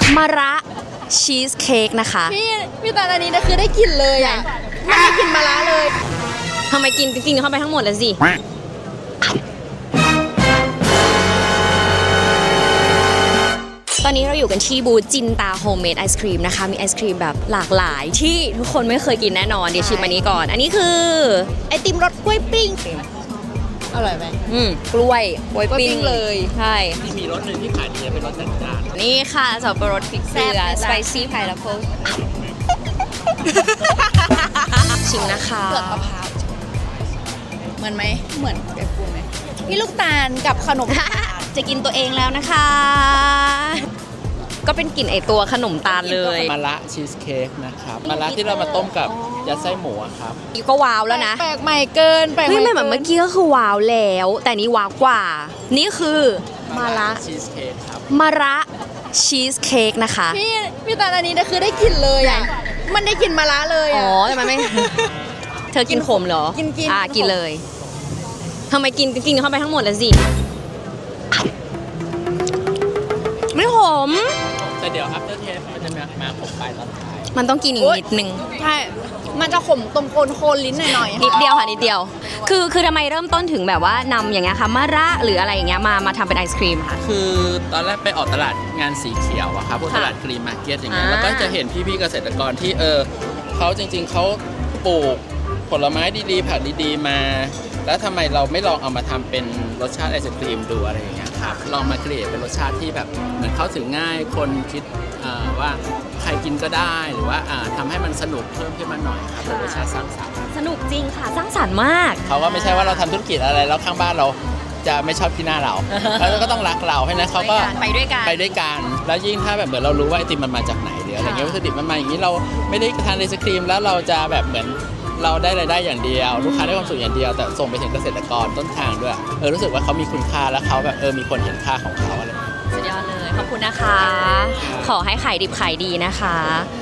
มะระชีสเค้กนะคะพี่ตอนอันนี้นะคือได้กลิ่นเลยอ่ะไม่ได้กลิ่นมะระเลยทำไมกินเข้าไปทั้งหมดเลยสิตอนนี้เราอยู่กันที่บูธจินตาโฮมเมดไอศครีมนะคะมีไอศครีมแบบหลากหลายที่ทุกคนไม่เคยกินแน่นอนเดี๋ยวชิมอันนี้ก่อนอันนี้คือไอติมรสกล้วยปิ้งอร่อยไหมกล้วยปิ้งเลยใช่ที่มีรสหนึ่งที่ขายดีเป็นรสจัดจ้านนี่ค่ะสับปะรดพริกเกลือสไปซี่ไพน์แอปเปิ้ลชิมนะคะเปลือกมะพร้าวเหมือนไหมเหมือนไอปูไหมพี่ลูกตาลกับขนมจะกินตัวเองแล้วนะคะ ก็เป็นกลิ่นไอตัวขนมตาลเลยมะระชีสเค้กนะครับมะระที่เรามาต้มกับยัดไส้หมูครับก็ว้าวแล้วนะแปลกใหม่เกินไม่เหมือนเมื่อกี้ก็คือว้าวแล้วแต่นี้ว้าวกว่านี่คือมะระชีสเค้กครับมะระชีสเค้กนะคะพี่ตอนอันนี้นะคือได้กลิ่นเลยอ่ะมันได้กลิ่นมะระเลยอ๋อแต่มันไม่เธอกินขมเหรอกินกินเลยทำไมกินเข้าไปทั้งหมดเลยสิไม่ขมแต่เดี๋ยว after taste มันจะมาขมปลายตอนท้ายมันต้องกินอีกนิดนึงใช่มันจะขมตรงโคนลิ้นหน่อยๆนิดเดียวค่ะนิดเดียวคือทำไมเริ่มต้นถึงแบบว่านำอย่างเงี้ยค่ะมะระหรืออะไรอย่างเงี้ยมาทำเป็นไอศครีมค่ะคือตอนแรกไปออกตลาดงานสีเขียวอะครับพวกตลาดกรีนมาร์เก็ตอย่างเงี้ยแล้วก็จะเห็นพี่ๆเกษตรกรที่เขาจริงๆเขาปลูกผลไม้ดีๆผักดีๆมาแล้วทำไมเราไม่ลองเอามาทำเป็นรสชาติไอศครีมดูอะไรอย่างเงี้ยครับลองมาเกลี่ยเป็นรสชาติที่แบบเหมือนเข้าถึงง่ายคนคิดว่าใครกินก็ได้หรือว่าทำให้มันสนุกเพิ่มขึ้นมาหน่อยครับเป็นรสชาติสร้างสรรค์สนุกจริงค่ะสร้างสรรค์มากเขาก็ไม่ใช่ว่าเราทำธุรกิจอะไรแล้วข้างบ้านเราจะไม่ชอบที่หน้าเราแล้วก็ต้องรักเราให้นะเขาก็ไปด้วยกันแล้วยิ่งถ้าแบบเหมือนเรารู้ว่าไอติมมันมาจากไหนหรืออะไรเงี้ยวัตถุดิบมันมาอย่างนี้เราไม่ได้ทานไอศครีมแล้วเราจะแบบเหมือนเราได้รายได้อย่างเดียวลูกค้าได้ความสุขอย่างเดียวแต่ส่งไปถึงเกษตรกรต้นทางด้วยรู้สึกว่าเขามีคุณค่าแล้วเขาแบบมีคนเห็นค่าของเขาอะไรสุดยอดเลยขอบคุณนะคะขอให้ขายดิบขายดีนะคะ